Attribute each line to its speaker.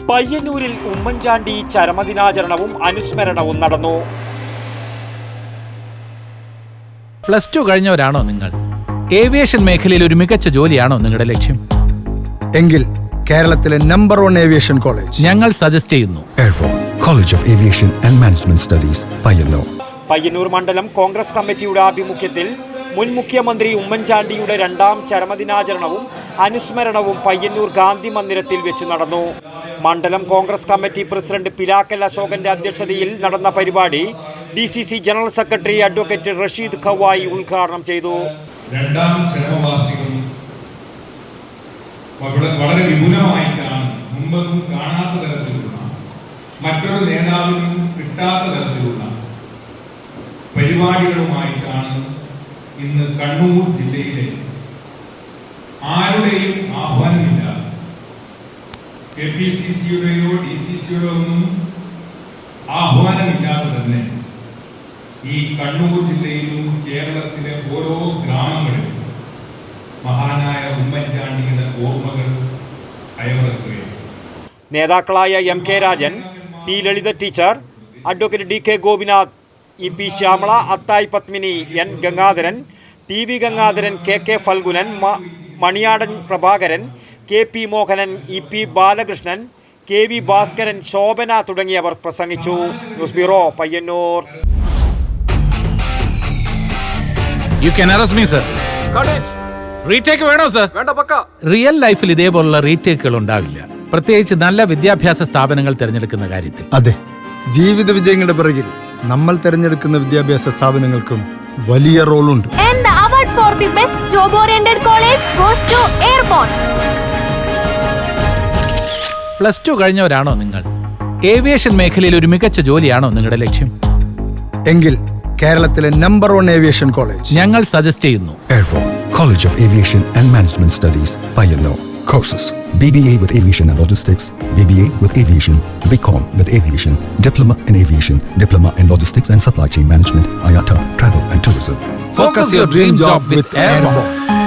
Speaker 1: പയ്യന്നൂരിൽ ഉമ്മൻചാണ്ടി ചരമദിനാചരണവും അനുസ്മരണവും നടന്നു.
Speaker 2: +2 കഴിഞ്ഞവരാണോ നിങ്ങൾ? ഏവിയേഷൻ മേഖലയിൽ ഒരു മികച്ച ജോലിയാണോ നിങ്ങളുടെ ലക്ഷ്യം?
Speaker 3: എങ്കിൽ കേരളത്തിലെ നമ്പർ 1 ഏവിയേഷൻ കോളേജ്
Speaker 2: ഞങ്ങൾ സജസ്റ്റ് ചെയ്യുന്നു.
Speaker 4: Airport college of aviation and management studies, Payyanur.
Speaker 1: Payyanur മണ്ഡലം കോൺഗ്രസ് കമ്മിറ്റിയുടെ ആഭിമുഖ്യത്തിൽ മുൻ മുഖ്യമന്ത്രി ഉമ്മൻചാണ്ടിയുടെ 2ാം ചരമദിനാചരണവും അനുസ്മരണവും പയ്യന്നൂർ ഗാന്ധി മന്ദിരത്തിൽ വെച്ച് നടന്നു. മണ്ഡലം കോൺഗ്രസ് കമ്മിറ്റി പ്രസിഡന്റ് പിലാക്കൽ അശോകന്റെ അധ്യക്ഷതയിൽ നടന്ന പരിപാടി DCC general secretary advocate Rasheed Kavayi ഉദ്ഘാടനം ചെയ്തു.
Speaker 5: 2ാം ചരമവാർഷികം വളരെ വിപുലമായിട്ടാണ്, മുമ്പൊന്നും കാണാത്ത തരത്തിലുള്ള, മറ്റൊരു നേതാവിനും കിട്ടാത്ത തരത്തിലുള്ള പരിപാടികളുമായിട്ടാണ് ഇന്ന് കണ്ണൂർ ജില്ലയിലെ ആരുടെയും ആഹ്വാനമില്ലാതെ KPCCയുടെയോ DCCയുടെയോ ഒന്നും ആഹ്വാനമില്ലാതെ തന്നെ ഈ കണ്ണൂർ ജില്ലയിലും കേരളത്തിലെ ഓരോ ഗ്രാമങ്ങളിലും മഹാനായ ഉമ്മൻചാണ്ടിയുടെ ഓർമ്മകൾ അയവിറക്കുകയാണ്.
Speaker 1: നേതാക്കളായ MK Rajan, P Lalitha teacher, advocate DK Gopinath, EP Shyamala, Athayi Padmini, N Gangadharan, TV Gangadharan, KK Phalgunan, Maniyadan Prabhakaran, KP Mohanan, EP Balakrishnan, KV Bhaskaran, Shobhana തുടങ്ങിയവർ പ്രസംഗിച്ചു. News bureau, Payyanur.
Speaker 2: You can arrest me, sir. Retake വേണോ സർ? റിയൽ ലൈഫിൽ ഇതേപോലുള്ള റീടേക്കുകൾ ഉണ്ടാവില്ല, പ്രത്യേകിച്ച് നല്ല വിദ്യാഭ്യാസ സ്ഥാപനങ്ങൾ തിരഞ്ഞെടുക്കുന്ന കാര്യത്തിൽ.
Speaker 3: അതെ, ജീവിത വിജയങ്ങളുടെ പിറകിൽ നമ്മൾ തിരഞ്ഞെടുക്കുന്ന വിദ്യാഭ്യാസ സ്ഥാപനങ്ങൾക്കും വലിയ റോളുണ്ട്.
Speaker 6: For the best job-oriented college goes to Airborne.
Speaker 2: +2 കഴിഞ്ഞവരാണോ നിങ്ങൾ? ഏവിയേഷൻ മേഖലയിൽ ഒരു മികച്ച ജോലിയാണോ നിങ്ങളുടെ ലക്ഷ്യം?
Speaker 3: എങ്കിൽ കേരളത്തിലെ നമ്പർ 1 ഏവിയേഷൻ കോളേജ്
Speaker 2: ഞങ്ങൾ സജസ്റ്റ് ചെയ്യുന്നു.
Speaker 4: Airport college of aviation and management studies, Payyanur. Courses: BBA with Aviation and Logistics, BBA with Aviation, BCom with Aviation, Diploma in Aviation, Diploma in Logistics and Supply Chain Management, IATA, Travel and Tourism.
Speaker 2: Focus your dream job with Airborne.